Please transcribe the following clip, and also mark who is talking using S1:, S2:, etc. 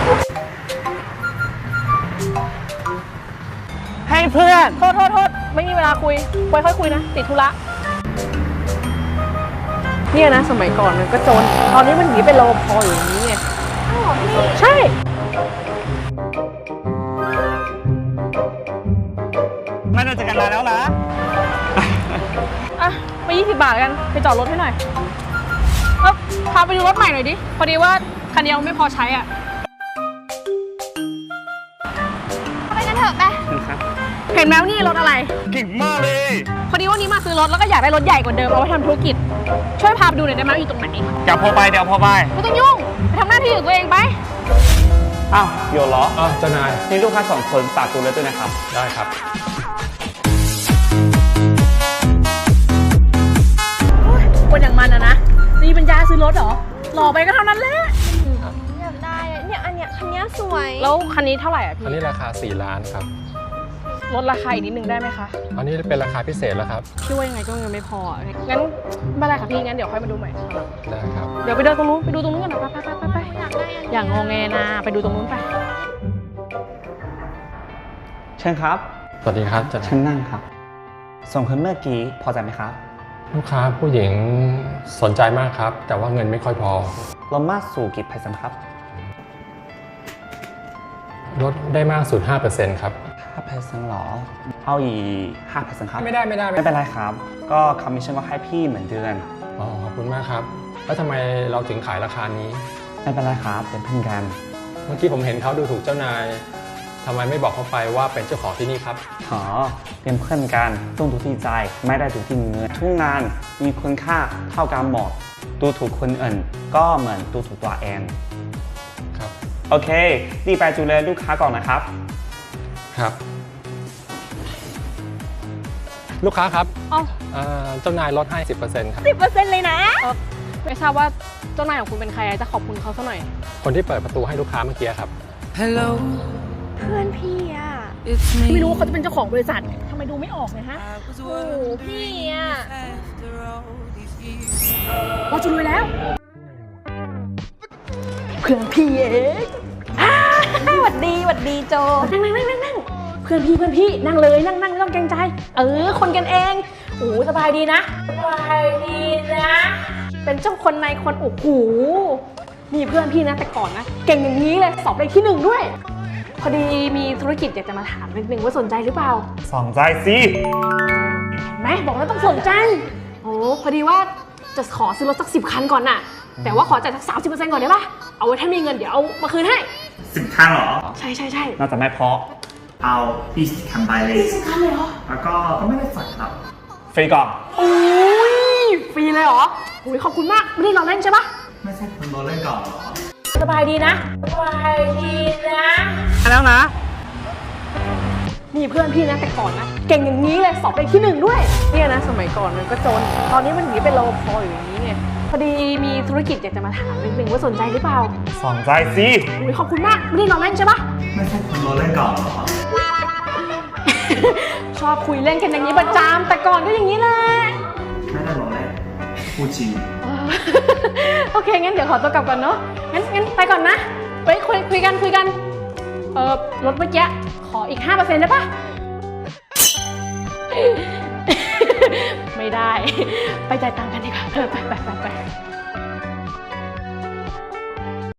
S1: ให้เพื่อน
S2: โทษไม่มีเวลาคุยไว้ค่อยคุยนะติดธุระเนี่ยนะสมัยก่อนมันก็จนตอนนี้มันหนีเป็นรปภอยู่อย่างนี้ไงใช่
S1: ไม่เราจะกันแล้วนะ
S2: อ่ะไป20 บาทกันไปจอดรถให้หน่อยพาไปดูรถใหม่หน่อยดิพอดีว่าคันเดียวไม่พอใช้อ่ะไปกันเถอะไปเห็นไหมนี่รถอะไร
S1: เก่งมากเลย
S2: พอดีว่านี้มาซื้อรถแล้วก็อยากได้รถใหญ่กว่าเดิมเอาไว้ทำธุรกิจช่วยพาไปดูหน่อยได้ไหมอยู่ตรงไหน
S1: เดี๋ยวพอไปไม่
S2: ต้องยุ่งไปทำหน้าที่ของตัวเองไป
S1: อ้าวโยเหรอ
S3: เจ้านาย
S1: นี่ลูกค้า2 คนฝากดูแลด้วยนะครับ
S3: ได้ครับ
S2: คนอย่างมันนะมีปัญญาซื้อรถเหรอหล่อไปก็เท่านั้นแหละ
S4: อยากได้เนี่ยอันเนี้ยคันนี้สวย
S2: แล้วคันนี้เท่าไหร่อ่ะพี่
S3: อันนี้ราคา4 ล้านครับ
S2: ลดราคาอีกนิดนึงได้ไหมคะ
S3: อันนี้เป็นราคาพิเศษแล้วครับ
S2: พี่ว่ายังไงก็เงินไม่พองั้นไม่เป็นไรค่ะพี่งั้นเดี๋ยวค่อยมาดูใหม่
S3: ได้ครับ
S2: เดี๋ยวไปเดินตรงนู้นไปดูตรงนู้นกันนะไปอย่างงงแงนะไปดูตรงนู้นไป
S1: เชิญครับ
S3: สวัสดีครับ
S1: เชิญนั่งครับส่งคนเมื่อกี้พอใจไหมครับ
S3: ลูกค้าผู้หญิงสนใจมากครับแต่ว่าเงินไม่ค่อยพอ
S1: เรามากสู่กี่เปอร์เซ็นต์ครับ
S3: ลดได้มากสุด 5% ครับ
S1: 5%หรอเอาอีก 5% ครับ
S3: ไม่ได้
S1: ไม่เป็นไรครับก็คอมมิชชั่นก็ให้พี่เหมือนเดือน
S3: อ๋อขอบคุณมากครับแล้วทำไมเราถึงขายราคานี้
S1: ไม่เป็นไรครับเป็นเพื่อนกัน
S3: เมื่อกี้ผมเห็นเขาดูถูกเจ้านายทำไมไม่บอกเขาไปว่าเป็นเจ้าของที่นี่ครับ
S1: อ๋อเป็นเพื่อนกันต้องดูที่ใจไม่ได้ดูที่เงินทุกงานมีคุณค่าเท่ากันหมดดูถูกคนอื่นก็เหมือนดูถูกตัวเอง
S3: ครับ
S1: โอเครีบไปดูแลลูกค้าก่อนนะครับ
S3: ครับลูกค้าครับเจ้านายลดให้ 10% ครับ
S2: 10% เลยนะไม่ทราบว่าเจ้านายของคุณเป็นใครจะขอบคุณเขาสักหน่อย
S3: คนที่เปิดประตูให้ลูกค้าเมื่อกี้ครับ
S4: Hello เพื่อนพี่อ่ะ
S2: ไม่รู้ว่าเขาจะเป็นเจ้าของบริษัททำไมดูไม่ออกเลยฮะโอ้พี่อ่ะเราจะรวยแล้วเพื่อนพี่เอง
S4: หวัดดีโจ
S2: นั่งเพื่อนพี่นั่งเลยนั่งไม่ต้องเกรงใจคนกันเองโอ้สบายดีนะเป็นเจ้าคนในคนโอ้โหมีเพื่อนพี่นะแต่ก่อนนะเก่งอย่างนี้เลยสอบได้ที่1ด้วยพอดีมีธุรกิจอยากจะมาถามนิดนึงว่าสนใจหรือเปล่า
S1: สนใจสิ
S2: แม่บอกแล้วต้องสนใจโอ้พอดีว่าจะขอซื้อรถสัก10 คันก่อนน่ะแต่ว่าขอจ่ายสัก 30% ก่อนได้ปะเอาไว้ถ้ามีเงินเดี๋ยวเอามาคืนให้
S1: 10 คันเหรอ
S2: ใช่
S1: น่าจะไม่พอเอา20 คันไปเลย
S2: 20 คันเลยเหรอ
S1: แล้วก็ไม่ได้จ่ายครับฟรีก่อน
S2: โอ้ยฟรีเลยเหรอโอ้ยขอบคุณมากไม่ได้รอเล่นใช่ปะ
S1: ไม่ใช่คุณรอเล่นก่อนหรอ
S2: สบายดีนะ
S1: แล้วนะ
S2: มีเพื่อนพี่นะแต่ก่อนนะเก่งอย่างนี้เลยสอบได้ที่1ด้วยเนี่ยนะสมัยก่อนมันก็จนตอนนี้มันหนีเป็นรปภอยู่อย่างนี้ไงพอดีมีธุรกิจอยากจะมาถามนิดนึงว่าสนใจหรือเปล่า
S1: สนใจสิ
S2: โอ้ยขอบคุณมากไม่ได้รอเล่นใช่ปะ
S1: ไม่ใช่คุณรอเล่นก่อนหรอ
S2: ชอบคุยเล่นกันอย่างนี้ประจำแต่ก่อนก็อย่างนี้แหละ
S1: ไม่ได้รอเล่นพูดจริง
S2: โอเคงั้นเดี๋ยวขอตัวกลับก่อนเนาะงั้นไปก่อนนะไปคุยกันรถเมื่อกี้ขออีก 5% ได้ปะไม่ได้ไปจ่ายตังค์กันดีกว่าไป